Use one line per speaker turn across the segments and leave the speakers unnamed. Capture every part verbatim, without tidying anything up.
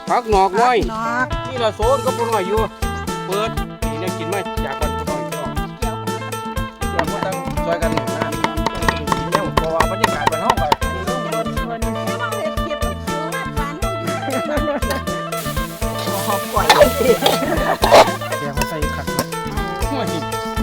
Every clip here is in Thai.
ผักหนอกน้อยนี่ละโซนก็พอน้อยอยู่เปิดนี่เนี่ยกินมาจากกันพอน้อยพี่น้องเดี๋ยวก็ต้องช่วยกันนะกินแล้วเพราะว่าบรรยากาศมันห้องแบบ
หอมก่อย
แกงมาใส่ขัดเลยนั่งหลาย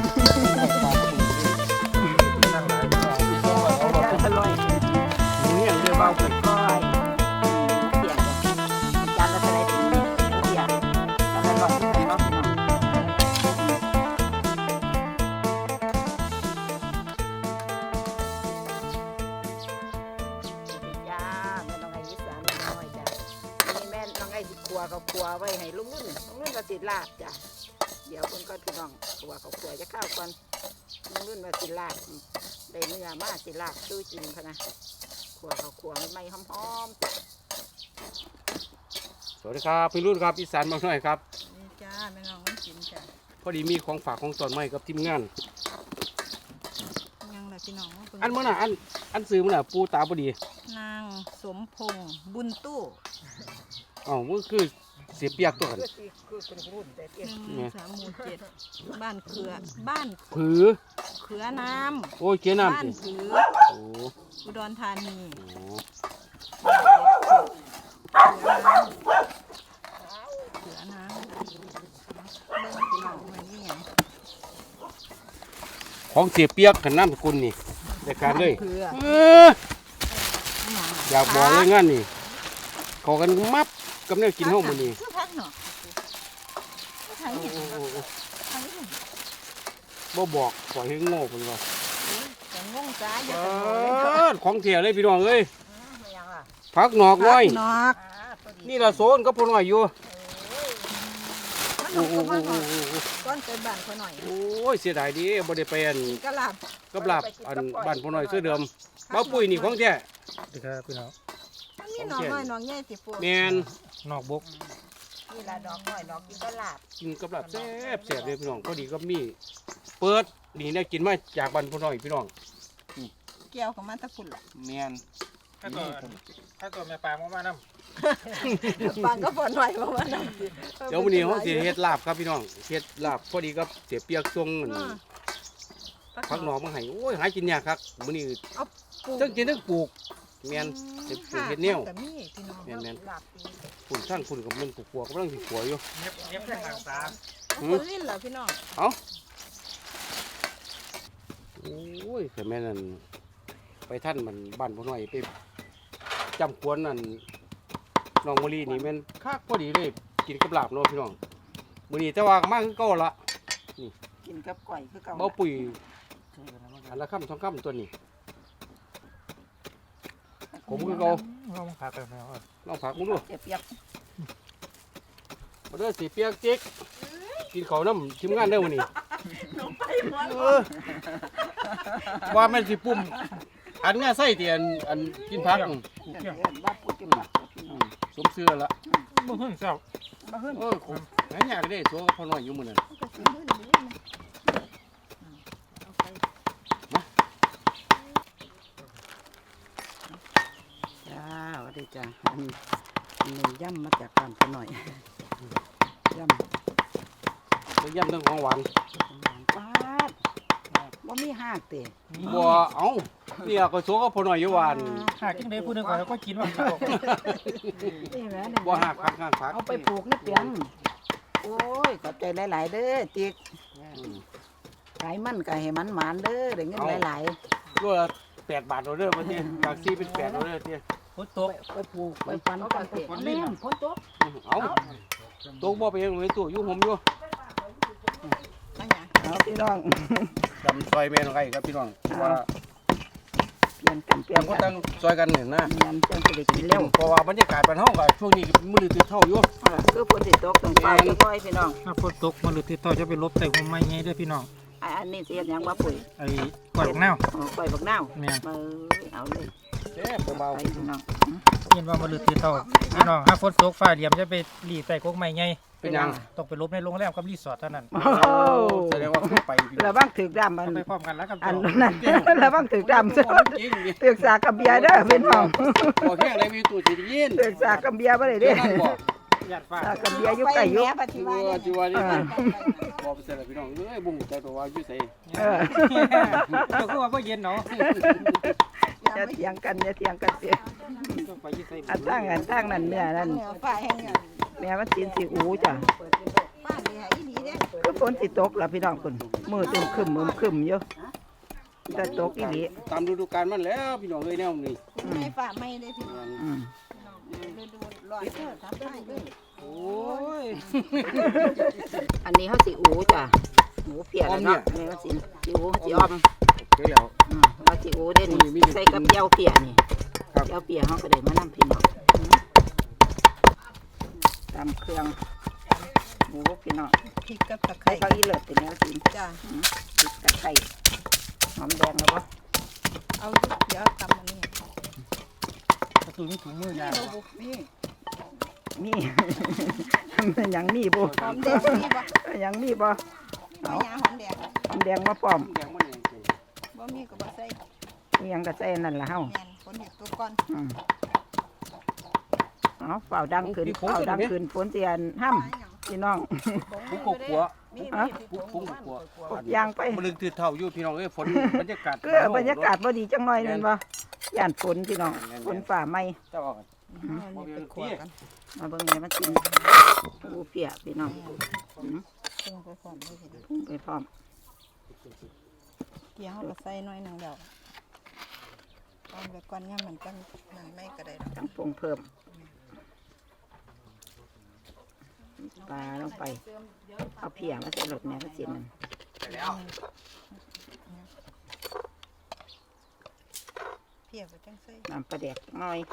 อร่อยหมูอย่างเดียวเบาเกิน
ก้อยเสียงจานละเท่าไรถึงเนี่ยเสียงจานละร้อยที่ใส่รอบหน่อยจ้าแม่น้องไอ้ยิสานน้อยจ้ะนี่แม่น้องไอ้สิครัวเขาครัวไว้ให้ลุงนุ่นลุงนุ่นมาสิลาบจ้ะเดี๋ยวคนก็พี่น้องครัวเขาครัวจะข้าวก่อนลุงนุ่นมาสิลาบได้เนื้อมาสิลาบตู้จริงพะนะครัวเขาครัวไม่หอมๆจ้ะ
สวัสดีครับพี่รุ่นครับอีสานบางหน่อยครับ
นี่จ้าแม่น้องมันกินจ้ะ
พอดีมีของฝากของตอนใหม่กับทีมงาน
ยังล่ะพี่น้อง
อันเมื่อน่ะอันอันซื้อเมื่อน่ะปูตาพอดี
นางสมพงษ์บุญตู้
อ๋อมันคือเสียเปียกตัวกัน
หนึ่งสามหมู่เจ็ดบ้านเขือบ้าน
ผือ
เขือน้ำ
โอ้ยเขือน้ำ
บ้านผือ
โอ้
อุดรธานีเขือน้ำเบิ้งพี่น้องมันนี่ไง
ของเสียเปียกขันน้ำสกุลนี่ในการเลยอยากบอกเลยงั้นนี่ขอกันมับกับเนี่ยกินห้องมันนี่บ่บอกปล่อยให้โง่ไปว่าของเถี่ยเลยพี่น้องเอ้ยผักหนอกน้อยนี่ละโซนก็พอน้อยอยู่
โอ้โหก้อนเป็นบ้านพอหน่อย
โอ้ยเสียดายดีบ่ได้ไปอัน
กระลาบ
กระลาบอันบ้านพอน้อยเสื้อเดิมบ้าปุ้ยนี่ของแท้
ดีครับพี่น้อง
มันมีหนอกน้อยหนอกใหญ่สิปู
แมน
นอกบก
นี่ละดอกน้อยดอกกินกระลาบ
กินกระลาบแซ่บแซ่บเลยพี่น้องพอดีก็มีเปิดนี่ได้กินมาจากบ้านพอน้อยพี่น้อง
เกี่ยวของมันตะฝุ่นละ
แมน
ถ้าตัวถ้าตัวแม่ปลามามาน้
ำปางก็ฝนหน่อยมามาน้
ำเดี๋ยววันนี้เขาเสียเฮ็ดลาบครับพี่น้องเฮ็ดลาบพอดีก็เสียเปียกทรงผักหนอกมาให้โอ้ยหากินยากครับมื้อนี้ทั้งกินทั้งปลูกแมนเฮ็ดปลูกเฮ็ดแนวแมนแมนฝุ่นทั้งฝุ่นกับมันปลูกปัวกำลังสิขัวอยู่
เงียบเงียบแค่หลังตา
คนลิ้นเหรอพี่น้อง
เอาโอ้ยแต่แม่นั่นไปท่านมันบ้านพ่อหน่อยไปจำควนนั่นน้องมะลินี่แม่นคักพอดีเลยกินกับลาบเนาะพี่น้องมื้อนี้แต่ว่ามากคือเก่าละ
นี่กินกับก๋วยคือเก่า
เบาปุ๋ยอันละค่ำสองค่ำตัวนี้ผมคือเก่า
ลองผักกันแล้ว
ลองผักมึงดู
เสียเปียก
มาเด้อสีเปียกจิ๊กกินข้าวน้ำทีมงานเด้อวันนี้ว่าแม่สิปุ่มอันง่ายไส้เตียนอันกินผักสมเสื้อละ
บ่ขึ้นเศร้า
บ่ขึ้น
เออไหนอยากได้ตัวพอหน่อยอยู่มื้อนั้น
จ้าสวัสดีจ้าอันนี้ย่ำมาจากบ้านพอหน่อยย่
ำย่ำทั้งของหวาน
ป้าว่ามีหักเตะ
บัวเอ้าเนี่ยก็โซก็พอหน่อยอยู่หวาน
หักจังได๋ผู้นึงก่อนก็กินว่า
บัวหักผักหักผัก
เอาไปปลูกนี่เปียงโอ้ยขอบใจหลายๆเด้อติ๊กไก่มันไก่ให้มันหมานเด้อได้เงินหลาย
ๆตัวละแปดบาทเราเด้อมาเตี้ยจากซีเป็นแปดเราเด้อเตี้ย
ฝนตก
ไปปลูกไปฟันกันเตะแม่ฝนตก
เอาตกบ่ไปยังเลยตัวอยู่ผมอยู่
เอาพี่น้อง
จำซอยแม่น้องไก่ครับพี่น้องว่า
เปลี่ยนกันเปลี่ยน
ก็ตั้งซอยกันเห็นนะ
ยำจังจะได้กินเร็ว
เพราะว่าบรรยากาศบ้านเฮาก็ช่วงนี้มื้อตื่นเท่าอยู่
คือฝนสิตกต้องเฝ้าค่อยพี่น้อง
ถ้าฝนตกมันหรือติดต่อจะไปลบใส่หัวไม้ใหญ่ด้วยพี่น้อง
อันนี้เสียยังว่าปุ๋ย
ไอ้กล้วยบักนาว
กล้วยบักนาว
แม่น
เอาเลย
แซ่บเบา
ๆพี่น้อง
เห็นว่ามันหรือติดต่อพี่น้องถ้าฝนตกฟ้าเหลี่ยมจะไปหลีใส่กกไม้ใหญ่
เป็นยัง
ต้องไปลบในโรงแรมกับรีสอร์ทเท่านั้น
แสดงว่าไป
แล้วบ้างถือดำมัน
ไปพร้อมกันแล้วกับ
อันนั้นแล้วบ้างถือดำถือสากกับเบียร์เด้อเป็นห้อง
โอเคอะไรมีตู้จีน
ถือสากกับเบียร์บ่ได้เด้อ
ญาติฟ้า
ตากับเบียอยู่ไกลอยู่
จีว่าจีว่านี่บอกไปเสร็จแล้วพี่น้องเอ้ยบุ้งใจตัวว่าอยู่ใส่
เออ
เจ้าคือว่าบ่เย็นเนาะ
อย่าเถียงกันอย่าเถียงกันเสีย
ต้องไปยี่ใส่
อันตั้งอันตั้งนั่นเนื้อนั่น
ป้าแห้ง
แม่มันสินสิอูจ้ะ
ป้าเนี่ยอีดีเด้
คือฝนสิตกล่ะพี่น้องคุณมือตึมครึมมือครึมอยู่จะตกอีหลี
ตามฤดูกาลมันแล้วพี่น้องเอ้ยแนวนี้
ไม่ฝ่าไม่ได้พี่
อืม
ฤดูร้อนเด้อทำได้เด้อ
โอ้ย
อันนี้เขาสิอูจ้ะหมูเปียกแล้วเนาะนี่เขาสิสิอูสิออม
เดี๋ยวแล้ว
อืมเขาสิอูเด่นใส่กับเจียวเปียนี่เจียวเปียเขาก็ได้มานำพี่น้องตำเครื่องหมูพี่น้อง
พริกกับตะไค
ไข่
ร้
เขาอีเลิศเป็นแนวสิ
จ้า
พริกตะไคร้หอมแดงแล้วบ่
เอาเดี๋ยวทำอันนี้
ประตูมีถุงมือยาว
นี่
มี มันยังมีบ่
หอมแดงนี่บ่
ยังมีบ่
ไม่ยาหอมแดง
หอมแดงมาพร้อม
แดงมันยัง
บ่มีก็บ่ใส่
มีหยังก็ใส่นั่นล่ะเฮา
แม่นคนเห็ดตัวก่อน
อืมเอาเฝ้าดังขึ้นเฝ้าดังขึ้นฝนเตียนห้ำพี่น้อง
ปุ้งกกัว
มี
ฮะ
ปุ้งปุ้งกัว
กดยางไป
มันลึกตื่นเท่าอยู่พี่น้องเอ้ยฝนบรรยากาศ
ก็บรรยากาศบ่ดีจังหน่อยนั่นบ่ย่านฝนพี่น้องฝนฝ่าไหม
เจ้าออก
เอานี่ไปขวดกัน
มาเบิ่งแม่มากินปูเปียพี่น้องอืม
ปรุงไปพร้อมเลยทีเดียว
ปรุงไปพร้อม
เกี่ยวเฮาก็ใส่หน่อยหนึงแล้วตอนไปก่อนย่ำมันจังนั่นไม่ก็ได้ดอก
ต้องปรุงเพิ่มปลาลงไปเอาเพียมาใส่รถแม่ก็สิมัน
เพียก็จังใส่
น้ำปลาแดกหน่อย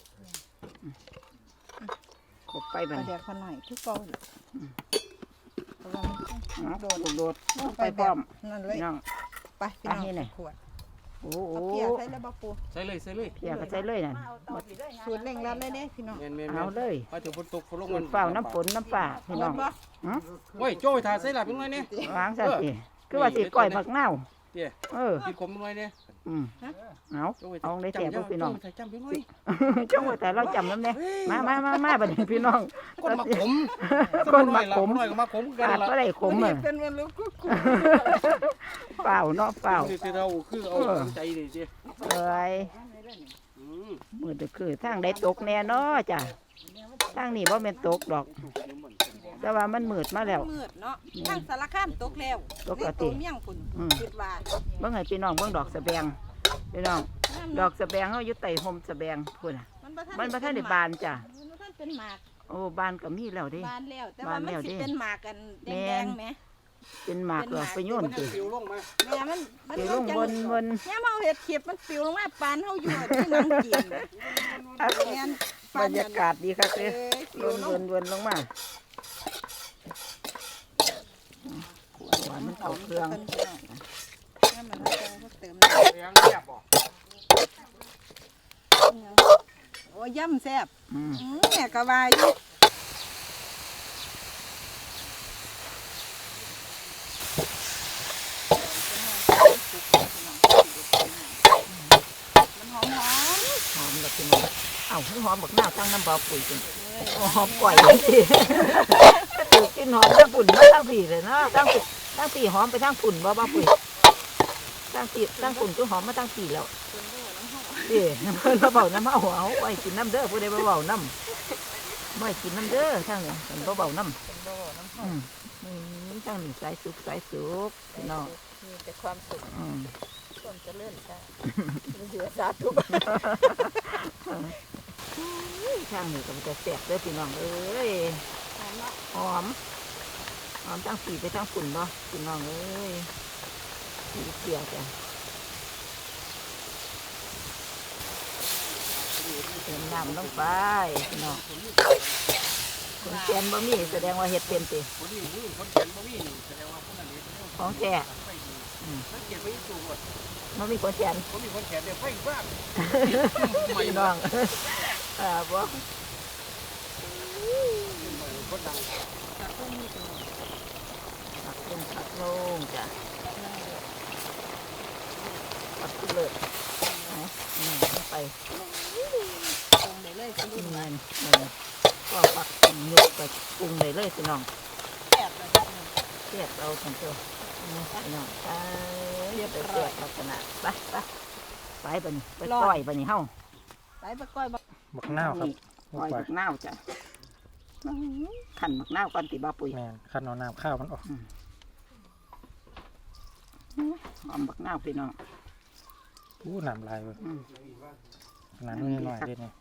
ขบไป
ป
บั
ลา
ด
แดกพอหน่อยทุกเก่าแหละเพราะว่ามันต้อง
เนาะโดดโดด
ลง
ไป
ไป
พ
แบ
ร้อบ ม
นั่นเลย
พี่น้อง
ไปพี่น้อง
ไปนี่ไหน
ขวด
โอ้โห
เอาเพียใส่แล้วบ่ปู
ใส่เลยใส่เลย
เพียก็ใส่เลยนั่น
สูตรเร่งรัดเลยเด้พี่น้อง
แม่นแม่น
เอาเลย
มาถึงฝนตกฝนลง
ฝ
มัน
นเฝ้าน้ำฝนน้ำป่าพี่น้อง
บ่
หือ
โอ้ยโจ้ยถ่ายใส่หลับยังไงเนี่ย
วางซะสิคือว่าสิก้อยผักเน่า
เดี๋ยว
เออ
กินขมยังไงเนี่ย
อืมเอา
โจ้ย
เอาได้แต่พวกพี่น้อง
ใส่จำยังไง
จังหวะแต่เราจำน้ำเนี่ยมามามามาบัดนี้พี่น้อง
ก้นมาขม
ก้นมาขม
หน่อยก็มาขมกัน
ขาด
ละ
ก็ได้ขมอ่ะ
เป็นวันลูกกุ๊ก
เปล่าเนาะเปล่า
คือเราคือเอาใจดิเจ้
เอ้ยมือตะคือทางได้ตกแน่เนาะจ้ะทางนี้บ่แม่นตกดอก แต่ว่ามันมืดมาแล้ว
มืดเนาะทางสารคามตกแล้ว
ตกกะติ
ในตัวเมียงพุ่น
อืม
คิดว่า
เบิ่งให้พี่น้องเบิ่งดอกสะแบงพี่น้องดอกสะแบงเฮาอยู่ใต้ห่มสะแบงพุ่นน่ะ
มันบ่ทัน
มันบ่ทันได้บานจ้ะ
มันบ่ทันเป็นหมาก
โอ้บานก็มีแล้วเด้
บานแล้ว แต่
บา
ว่าน มัน
แล้ว
สิ
เด้
เป็นหมากกันแด
แม่
ง
น
ๆแหม
เป็นหมากดอกไปโยนสิ
ปิวลงมา
แม่มันมัน
สิลงบนบน
แม่เฮาเฮ็ดเขียบมันปลิวลงมาปานเฮาอยู่ที่หนังกินแม่น
บรรยากาศดีครับ
เอ้
เด้
ยป
ล
ลิวน ล
ว
ง
นวนลงมาหวานมันเข้าเครื่อง
แม่มันเอาเติม
แรงแซ่บบ่
โอ้ยย่ำแซ่บ
อืม
อืมแม่ก็ว่าอยู่มันหอมหอม
หอมแบบพี่น้องเอ้าหอมบักหน้าวตั้งน้ำเบาปุ๋ยจริงหอมก่อยสิถูกกินหอมทั้งฝุ่นมาทั้งผีเลยเนาะทั้งฝุ่นทั้งผีหอมไปทั้งฝุ่นบ่บ่ปุ๋ยทั้งผีทั้งฝุ่นก็หอมมาทั้งผีแล้วเด้เพิ่นมาเบาน้ำเอาเอาไว้กินน้ำเด้อผู้ใดมาเบาน้ำไว้กินน้ำเด้อทั้งนี้เพิ่นบ่เบาน้ำอืมอืมทั้งนี้สายสุกสายสุกพี่น้อง
มีแต่ความสุข
อืม
ความเจริญจ้ะเหลือสาธุ
ช่างนี่ก็มันจะแสบเด้อพี่น้องเอ้ยหอมหอมทั้งสีไปทั้งฝุ่นบ่พี่น้องเอ้ยสีเขียวจ้ะเติมน้ำลงไปพี่น้องคนแกนบ่มีแสดงว่าเห็ดเป็นติ
คนนี้มือคนเขียนบ่มีแสดงว่าคนนั้นนี่
ของแท้
สังเกตไปอยู่ว่า
บ่มีคนแกน
คนมีคนเขียนเนี่ยไฟฟ้า
พี่น้องอ่าบ่
คนดัง
ผักลงผักลงจ้ะผักเลิศนะนี่ไป
ตรงได้เลยคุณ
กิ
ลุ
น
ง
เงินเงินก็ผักหยุดปรุงได้เลยพี่น้อง
แซ่บเลยจ้ะ
เสียบเอาทั้งตัวนี่พี่น้องไปเรียบร้อยลักษณะไปไปไปบัดนี้ไปก้อยบัดนี้เฮา
ไปไปก้อยบัก
บักนาวครับ
ก้อยบักนาวจ้ะขันบักนาวก่อนติบ่าปุ๋ย
แม่นคันเอาน้ำข้าวมันออก
หอมบักนาวพี่น้อง
อู้น้ำลายเลย
อืม
น้ำนิดหน่อยเด็ดนี่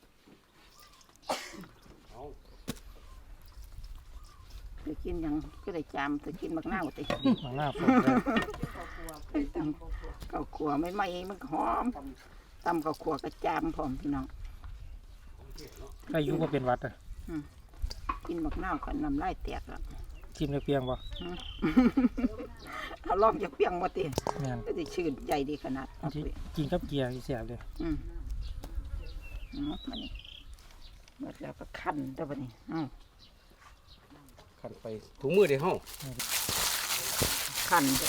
จะกินหยังก็ได้จามจะกินบักนาวติ
บักนาวสดเลย
ตำข้าวขัวไม่ไหม้มันหอมตำข้าวขัวกระจามพร้อมพี่น้อง
ใครอยุ่ก็เป็นหวัดอ่ะ
กินบักนาวกันน้ำลายแตกแล้ว
ชิมได้เพียงบ่
เอาล่องจะเปียงมาติ
แม่น
ก็จะชื่นใจดีขนาด
อันที่กินกับเกียร์ที่แสบเลย
อืมอืมมานี่เมื่อแล้วก็คั้นตัวบัดนี้อ้าว
ขันไปถุงมือเดี๋ยวเฮา
คั้นจ้ะ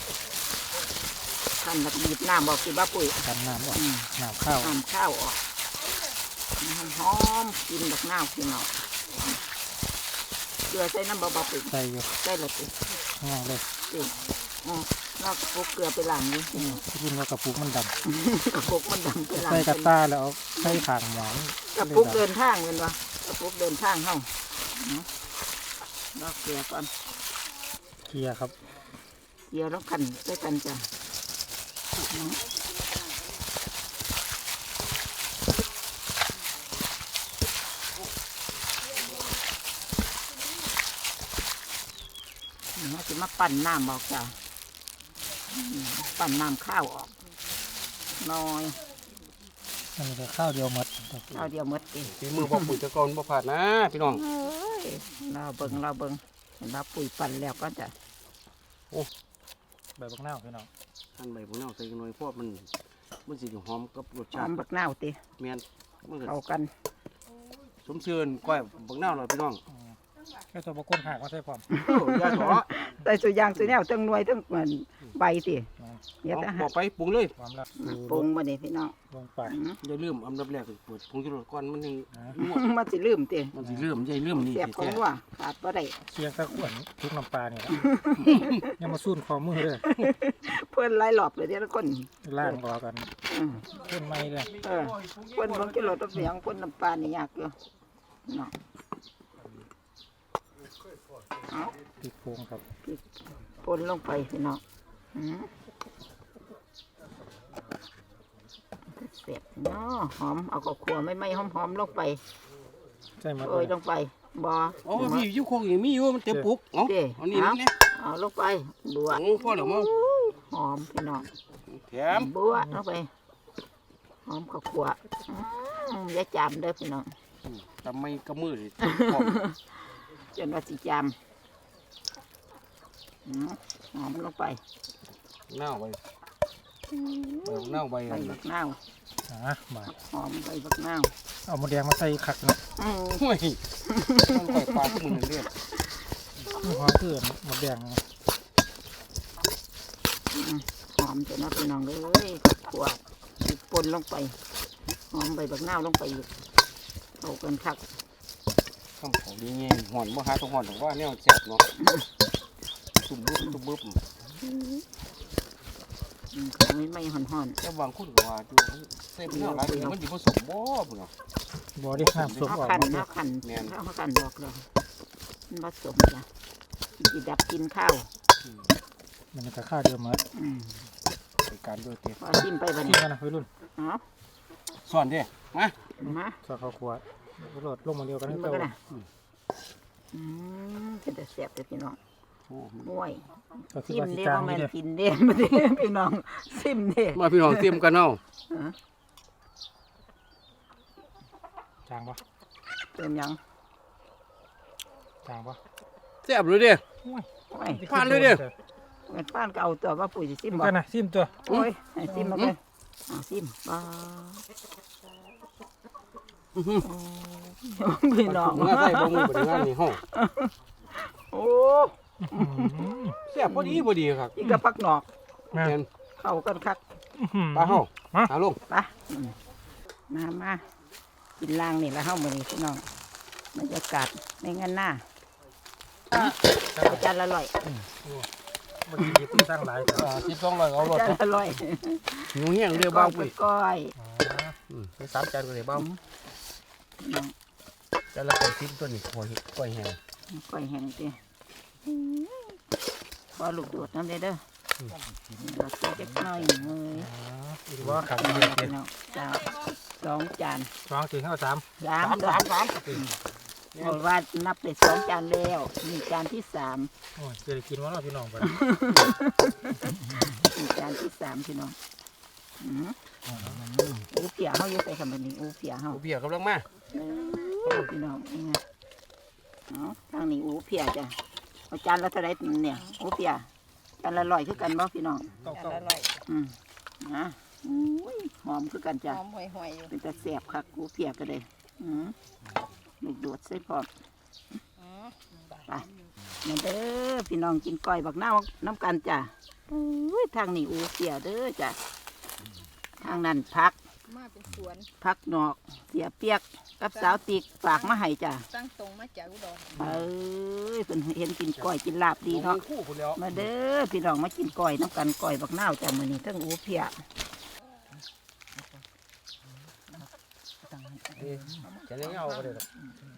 คั้นแล้วก็บีบน้ำออกสิบ้าปุ๋ย
กันน้ำออก
อืม
น้ำข้าว
น้ำข้าวออกหอมๆกินบักนาวกินเอาเกลือใส่น้ำเบาๆปุ๋ย
ใส่อยู่
ใส่ละติ
ง่ายเลย
ติอ๋อเราก็พกเกลือไปล้างนี่
อืมกินว่ากระปุกมันด
กระปุกมันดำไป
ำ
ล้าง
ใส่กระตาแล้วเอาใส่ขางหมอน
กระปุกเดินทางเป็นวะกระปุกเดินทางเฮาเนาะลอกเกลือก่อน
เกียร์ครับ
เกลือแล้วกันด้วยกันจ้ะเนาะเราจะมาปั่นน้ำออกจ้ะอืมปั่นน้ำข้าวออกน้อย
มันจะข้าวเดียวหมด
ข้าวเดียวหมดดิ
ฝีมือบ่ปุ๋ยตะกอนบ่ผาดนะพี่น้อง
เอ้ยเราเบิ่งเราเบิ่งเห็นเราปุ๋ยปั่นแล้วก็จะ
ใบบักนาวพี่น้อง
หั่นใบพวกนี้ใส่กันหน่อยเพราะมันมันสิหอมกับรส
ห
ชา
อ
ติ
มบักนาวติ
แม่นมันก็
เข้ากัน
สมเชิญก้อยบักนาวหน่อยพี่น้อง
แค่ตัวบก้นหักมาใส่พร้อม
โอ้ยาถอ
ใส่สุยางสุแนวทั้งหน่วยทั้งเหมือนใบติเดี๋ยว
เอา
จะ
บ
หา
อกไปปรุงเลย
ความรัก
ปรุงมาเนี่พี่น้อง
ลงไป
อืม
อย่าลืมอันดับแรกเปิดผงชูรสก่อนมันยัง
อ่า
นัว
มันสิลืมติ
มันสิลืมอย่าลืมนี่
เสียบของ
แท้
ว่าขาดบ่ได้
เคียงตะขวนทุกน้ำปลาเนี่ยยังมาสู้คอมือเลย
เพื่อนไล่หลอบเลยเดี๋ยวละคน
ล่างรอกัน
อืม
เพิ่นไม่เลย
เออเพื่อนบางกิโลตัวเสียงเพื่อนน้ำปลานี่ยากอยู่เนาะเอา
ติดโพงครับ
ปนลงไปพี่น้องอืมเสียบเนาะหอมเอาข้าวคั่วไม่ไม่หอมหอมๆลงไป
ใช่ไหม
โอ้ยลงไปบ่
ๆอ๋อมีอยู่โคกอย่างมีอยู่มันเต็มปุกเอ้า
เด้
เอานี่นี่นี่
เอาลงไปบัว
โอ้พ่อเหรอมั้ง
หอมพี่น้อง
แถม
บัวลงไปหอมข้าวคั่วอืมอย่าจามเด้อพี่น้อง
ทำไมกระมือเลยหอม
จนว่าสิจามอืมหอมลงไป
เน่าไปเออเน่าไป
ใบบักนาว
อ่ามา
หอมใบบักนาว
เอาหมดแดงมาใส่ขักเนาะ
อืม
ห่วยมันก่อยปลาทุกมือเรียบ
หอมเกลือหมดแดง
หอมจนว่าพี่น้องเลยข้าวคั่วปนลงไปหอมใบบักนาวลงไปอีกเข้ากันคัก
คำของดีเงี้ยหอนบ่หาต้องหอนหรอกว่าเนี่ยแซ่บเนาะตุ่มบึ้บตุ่มบึ้บ
อืมเขาไม่ไม่ห่อนห่อน
แต่บางคนก็ว่าอยู่เส้นเนื้อหลายมันสิผสมบ่พุ่นเนาะ
บ่ได้น้ำซุป
เขา
ออก
ขัน
หมดเลย
เขาขัน
แม่น
เขาขันบอกเลยมันผสมจ้ะจีดับกินข้าว
มันจะข้าวเดียวหมด
อืม
ไปการด้วยเตี้ย
พอชิมไปบัด
ที่
นี้
กันนะวัยรุ่น
เนาะ
สอนเด้มา
มา
ซอสข้าวคั่วรสลงมาเดียวกัน
ชิม
นี่
มา
เจ้า
กันนะอืมเป็นแต่แซ่บเลยพี่น้อง
โอ้
ห่วย
ก็คือ
ซิม
ว่าสิ
เด้
จาง
บ่แม่
นี่
น
เด้อ
กินเด้มาเด้พี่น้องซิมเด้
มาพี่น้องเตรียมกันเอา
จางปะ
เป็นหยัง
จางปะ
แซ่บเลยเด้
ห่วย
ผ่านเลยเด้อ
เงินป้านก็เอาตัวว่าปุ๋ยสิซิมบ่
กันนะซิมตัว
โอ้ยให้ซิมมาเลยเอาซิมบ่พี่น้อง
มาใส่บ่มือบ่ได้งานนี่เฮา
โอ้
แซ่บพอดีพอดีครับ
อีกกับพักหนอก
แม่
แม่น
เข้ากันคัก
ปลาเฮา
ฮะ
หาลง
ไปมามากินล่างนี่แล้วเฮามื้อนี้พี่น้องบรรยากาศในงานหน้าอาจารย์ละร้อย
มันสิที่สร้างหลายแต่
อ่าสิบสองร้อยเอารถ
อาจารย์ละร้อย
หิวเหี้ยงเรือเบ้าปุ้ย
ก้อย
อืมไปสามจานก็เลยเบ้าจานละแปดสิบตัวนี่ก้อยก้อยแห้ง
ก้อยแห้งจีพอลูกโดดน้ำเลยเด้อเราใส่จักหน่อยมือ
หรือว่าขับ
พี่
เรือเตียน
น้องจ้าสองจาน
สองสี่ห้าสาม
สามสามสามบอกว่านับไปสองจานแล้วนี่จานที่สาม
โอ้ยจะได้กินว่าเราพี่น้องไป
นี่จานที่สามพี่น้องอืมอูเปียเขาอยู่ใส่คำนี้อูเปียเขา
กูเบียร์กำลังมา
เออพี่น้องนี่ไงเอาทางนี้อูเปียจ้ะเอาจานละเท่าไรเนี่ยอูเปียจานละร้อยคือกันบ่พี่น้อง
เก้า
จาน
เก้า
ละร้อย
อืมนะอุ้ยหอมคือกัน
ห
จ้ะ
อมห่วยๆอยู่
เป็นตะแสบคักอูเปียก็เลยอืมลูกโดดใส่พร้อม
อืม
ไปมาเด้อพี่น้องกินก้อยบักหน้าวน้ำกันจ้ะอุ้ยทางนี้อูเปียเด้อจ้ะทางนั้นพัก
มาเป็นสวน
พักนอกเสียเปียกกับสาวติกฝากมาให้จ้ะ
ตั้งตรงมาจากอุดร
เอ้ยเพิ่นเห็นกินก้อยกินลาบดีเนาะ
คู่คนแล้ว
มาเด้อพี่น้องมากินก้อยน้ำกันก้อยบักนาวจ้ะมื้อนี้ทั้งอูเพีย
จะเลี้ยงเอาก็ได้หรอก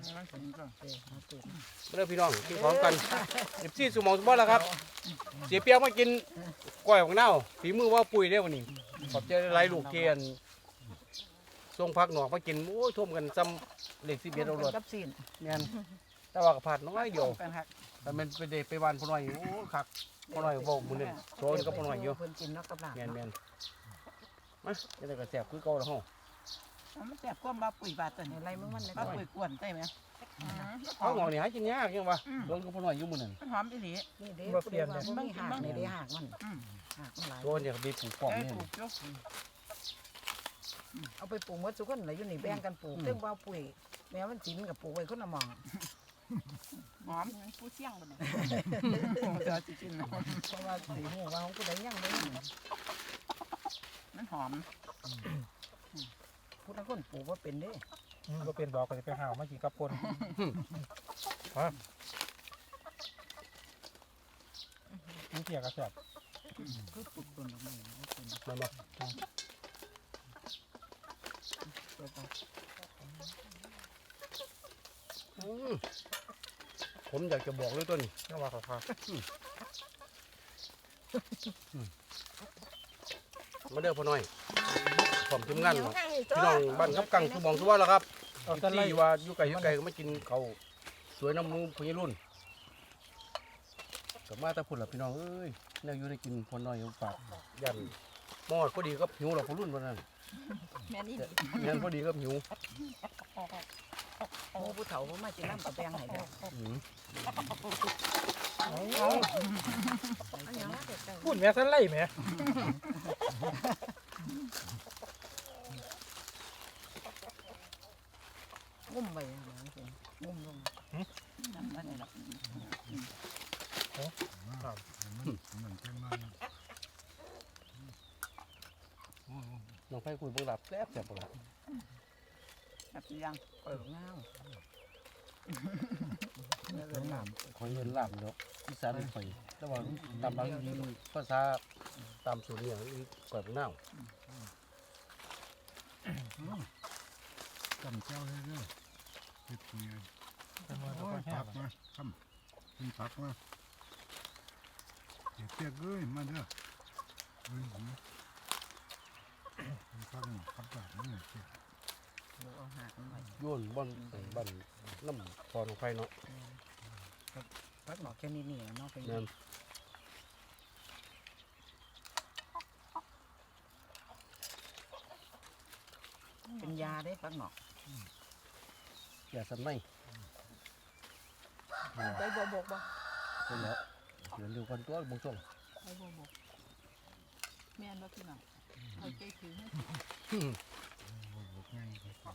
เริ่มพี่น้องกินของกันเดี๋ยวซี่สมองสมบัติแล้วครับ เสียเปียกมากินก้อยของเน่าฝีมือว่าปุ๋ยได้วันนี้ขอบใจหลายลูกเกียนส่งพักหนอกมากินโอ้ยท่วมกันซ้ำเหล็กสิเบียดเอารถ
กับซีน
แม่นแต่ว่ากระพาดน้อยเดียว
กันฮัก
แต่มันไปเดไปวันพอหน่อยโอ้คักพอหน่อยบอกมือนึงโซนก็พอหน่อยอยู่
เพิ่นกินเนาะกับลาบ
แม่นแม่นมาจะได้กระแสบคือเก่าแล้วห้อง
มันแซ่บกว่าบาปุ๋ยบาดตัวนี้ไรมึงมันบาปุ๋ยกวนได้ไหม
เขาหงอกนี่หากินยากยังวะโดนก็พอหน่อยอยู่มือนึง
หอมอีหลีนี่เด้
บ่เปลี่ยนเลย
มันหักนี่เด้หักมันหักมันหลาย
โดนเนี่ยบีปลูกกล่องนี่
เอาไปปลูกหมดทุกคนเลยอยู่นี่แบ่งกันปลูกเรื่องว่าปุ๋ยแม้มันสินกับปลูกไว้คนละหมองหอม
ผู้เสี่ยงบ่เนี่ย
เดี๋ยวสิกินเนาะเพราะว่าสีหูว่าของผู้ใดยังไม่มันหอมผู้ทั้งคนปลูกว่าเป็นเด้
ก็เป็นบอกก็จะไปหามากี่กับคนนี่เกี่ยวกับแสบ
คือปลูกต้นออกมา
มันบอกผมอยากจะบอกเลยตัวนี้
นี่ว่าเขาพา
มาเด้อพ่อหน่อยผมทีมงานครับพี่น้องบ้านกับกังสมองสวัสดิ์แล้วครับ
เอาต้นไล่
ที่ว่าอยู่ไกลอยู่ไกลก็มากินเขาวสวยน้ำมูพญรุ่นกลับมาแต่พุ่นละพี่น้องเอ้ยแนวอยู่ได้กินพ่อหน่อยฝากยันมอดพอดีก็หิวเราพ่อรุ่นวันนั้น
แม่นี่
ยันพอดีก็หิว
โอ้ผู้เฒ่ามากินน้ำปลาแปงให้เด้อ
อืม
พูดแม่สั้นไล่แม่
งุ่มไปนะงุ่มลงน้ำมันนี่ละ
น้องไฟคุยบุหลับแซ่บแซ่บบุหลับ
แบบยังเปิดเงาเนื้อเกินหนาม
คอยเงินหลับเนาะอีสานไฟแต่ว่าตามบางทีภาษาตามสูตรเนี่ยก่อยบุหน้า
จำเจ้าเลยเด้อเฮ็ดเงี้ย
เป็นมือ
โอ้
กับ
ย
แห้
ผั
ง
กมาทำกินผักมาเดี๋ยวเปียกเอ้ยมาเด้อเอ้ยผมกินผักนี่ผักแบบนี้เปียก
เอาหักหน่อย
โยนบอนบอนน้ำพอของไฟเนาะ
พักหนอกแค่นี้นี่เนาะเป็น
นั่น
เป็นยาได้พักหนอก
อย่าสั่นไม่
ไปบ่บกบ่
ใช่แล้วเดี๋ยวเร็วกันตัวบงช่วง
ไปบ่บกแม่นบ่พี่น้องเอาใจถือให้
โอ้โหง่ายไปก่อน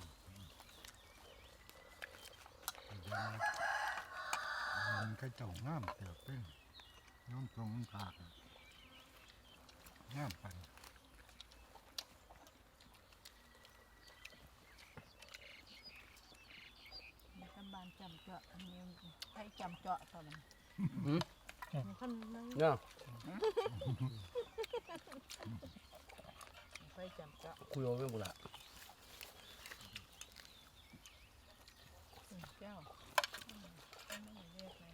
เดี๋ยวนะมันก็เจ้างามเติบเป็นน้องตรงมันขาดงามไป
สบายการจำเจาะอันนี้ให้จำเจาะตอนนั้น
หืม
มีคนนั่ง
เนี่ย
ไปจำเจาะ
คุยเอาเรื่องบุหรี่
แก้วไม่ได้เรียกเลย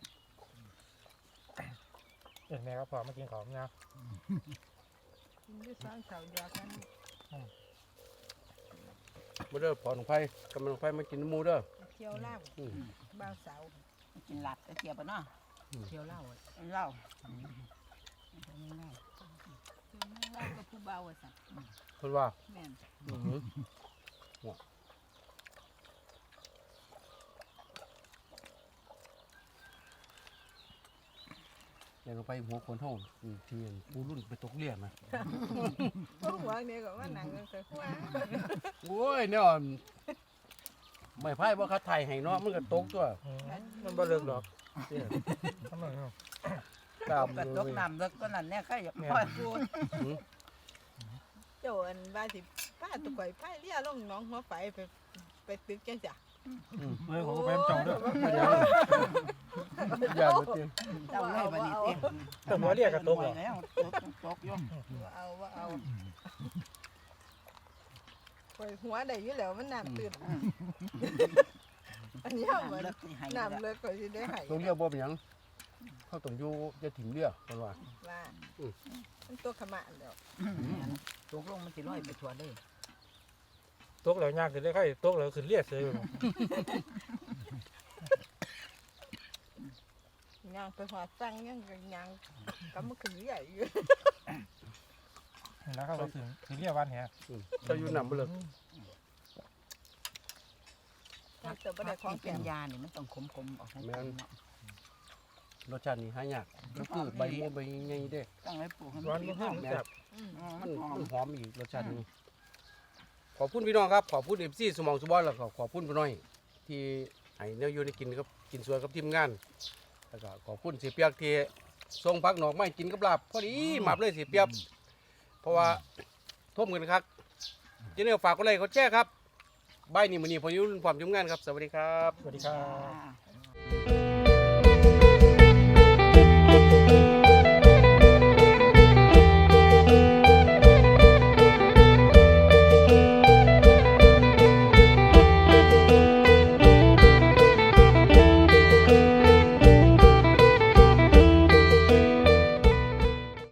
เห็นแม่ก็พอมากินของนะ
กินด้วยสร้างเสาเดียวกัน
มาเด้อพอหนองไผ่กำลังไผ่มากินน้ำหมูเด้อ
เที่ยวเหล้า
อืม
บ้าวเสา
กินหลัดก็เทียบปะเนาะ
เที่ยวเหล้า
เหล้า
เที่ยวเหล้าก็ผู้เบาอ่ะสัตว์
เพิ่นว่า
แม่น
อืมอยากลงไปหัวคนห้องเทียนปูรุ่นไปตกเรียนนะ
พวกหัวเนี่ยก็ว่าหนังกันแต่หัว
โอ้ยเนี่ยไม่ไพ่ว่าเขาไทยให้เนาะมันก็ตกตัว
มันบ่เลิกดอกทำไมเนาะ
ตาม
กระตกน้ำเลิกก็นั่นเนี่ยใครอยาก
แม่
พอดพูด
โจอันว่าสิป้าตุกไก่ป้าเลี้ยลงน้องหัวไฟไปไปตึกจังจ้ะ
เฮ้ยผมก็ไปจองด้วย
อย่าไปเตียง
เจ้าเลยบัดนี้เต็ม
แต่หัวเรียกกระตกเหรอ
แล้วตกตกอยู่
ว่าเอาว่าเอาไปหัวได้อยู่แล้วมันน้ำตื่นอันนี้เหมือน
น้ำเลิกที่ให้
น้ำเลยก็จะได้หาย
ตรงเรียกบ่เป็นหยังเขาต้องอยู่จะถิ่มเรียกเพิ่นว่า
ว่ามันตัวขมะแล้ว
ตกลงมันสิลอยไปทั่วเลย
ตกแล้วยากขึ้นได้ใครตกแล้วขึ้นเรียกเลย
ยางไปหอดตั้งยังก็ยางก็มันขึ้นใหญ่อยู่
แล้วเขาถึงขึ้นเรียกวันแฮะ
อืมเจะอยู่นำบ่เลิก
แต่บ่ได้ของ
ที่
แก่
เป็นยาเนี่ยมันต้องขมๆออกให้เป็นเนาะ
รสชาตินี่หายากก็คือใบม่วงใบใหญ่เด้
ต้องให้ปลูกให้
วั
มัน น
มัน
ดี
ขึ้นจับ
มัน
หอม
มันหอมอีกรสชาตินี้ขอบคุณพี่น้องครับขอบคุณ เอฟ ซี สมองสุบอลแล้วก็ขอบคุณพี่น้อย ที่ให้แนวอยู่ในกินกับกินสวยกับทีมงานแล้วก็ขอบคุณเสียเปียกที่ส่งผักหนอกไม้กินกับลาบพอดีหมับเลยเสียเปียกเพราะว่าท่วมกันครับเจ้าเนี่ยฝากกดไลค์กดแชร์ครับใบายนี้มื้อนี้พออยู่พร้อมทีมงานครับสวัสดีครับ
สวัสดีครับ
จ้า